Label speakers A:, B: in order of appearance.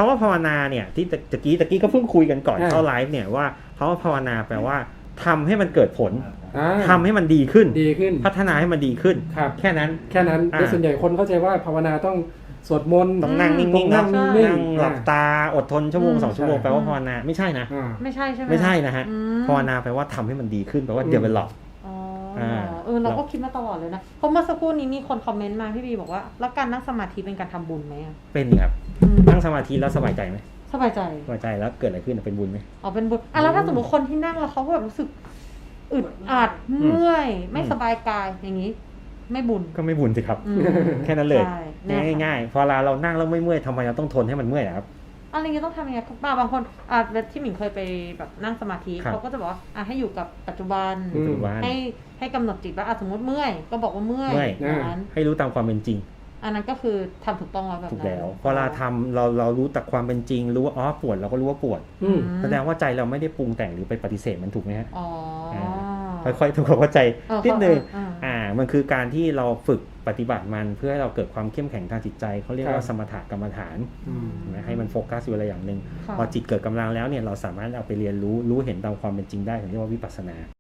A: าว่าภาวนาเนี่ยที่ตะกี้ก็เพิ่งคุยกันก่อนเข้าไลฟ์เนี่ยว่าคำว่าภาวนาแปลว่าทำให้มันเกิดผลทำให้มันดีขึ้นพัฒนาให้มันดีขึ้นแค่นั้น
B: โดยส่วนใหญ่คนเข้าใจว่าภาวนาต้องสวดมนต์
A: ต้องนั่งนิ่งๆนั่งหลับตาอดทนชั่วโมง2ชั่วโมงแปลว่าภาวนาไม่ใช่นะ
C: ไม่ใช่ใช่ไหม
A: ไม่ใช่นะฮะภาวนาแปลว่าทำให้มันดีขึ้นแปลว่า develop
C: เราก็คิดมาตลอดเลยนะเพราะเมื่อสักครู่นี้มีคนคอมเมนต์มาพี่บีบอกว่าแล้วการนั่งสมาธิเป็นการทำบุญไหม
A: เป็นครับนั่งสมาธิแล้วสบายใจไหม
C: สบายใจ
A: แล้วเกิดอะไรขึ้นเป็นบุญไหม
C: เป็นบุญแล้วถ้าสมมติคนที่นั่งแล้วเขาแบบรู้สึกอึดอัดเมื่อยไม่สบายกายอย่างนี้ไม่บุญ
A: ก็ไม่บุญสิครับแค่นั้นเลยง่ายๆพอเรานั่งแล้วไม่เมื่อยทำไมเราต้องทนให้มันเมื่อยครับ
C: อะไรเงี้ยต้องทำยังไงบางคนที่หมิงเคยไปแบบนั่งสมาธิเขาก็จะบอกว่าให้อยู่กับปัจจุบันให้กำหนดจิตว่าสมมติเมื่อยก็บอกว่าเมื่อย
A: ให้รู้ตามความเป็นจริง
C: อันนั้นก็คือทำถูกต้องแล้วแบบ
A: ถูกแล้วพอเราทำเรารู้แต่ความเป็นจริงรู้ว่าปวดเราก็รู้ว่าปวดแสดงว่าใจเราไม่ได้ปรุงแต่งหรือไปปฏิเสธมันถูกไหมฮะค่อยๆทำความเข้าใจนิดนึงมันคือการที่เราฝึกปฏิบัติมันเพื่อให้เราเกิดความเข้มแข็งทางจิตใจเขาเรียกว่าสมถกรรมฐานให้มันโฟกัสอยู่อะไรอย่างหนึ่งพอจิตเกิดกำลังแล้วเนี่ยเราสามารถเอาไปเรียนรู้เห็นตามความเป็นจริงได้ถึงเรียกว่าวิปัสสนา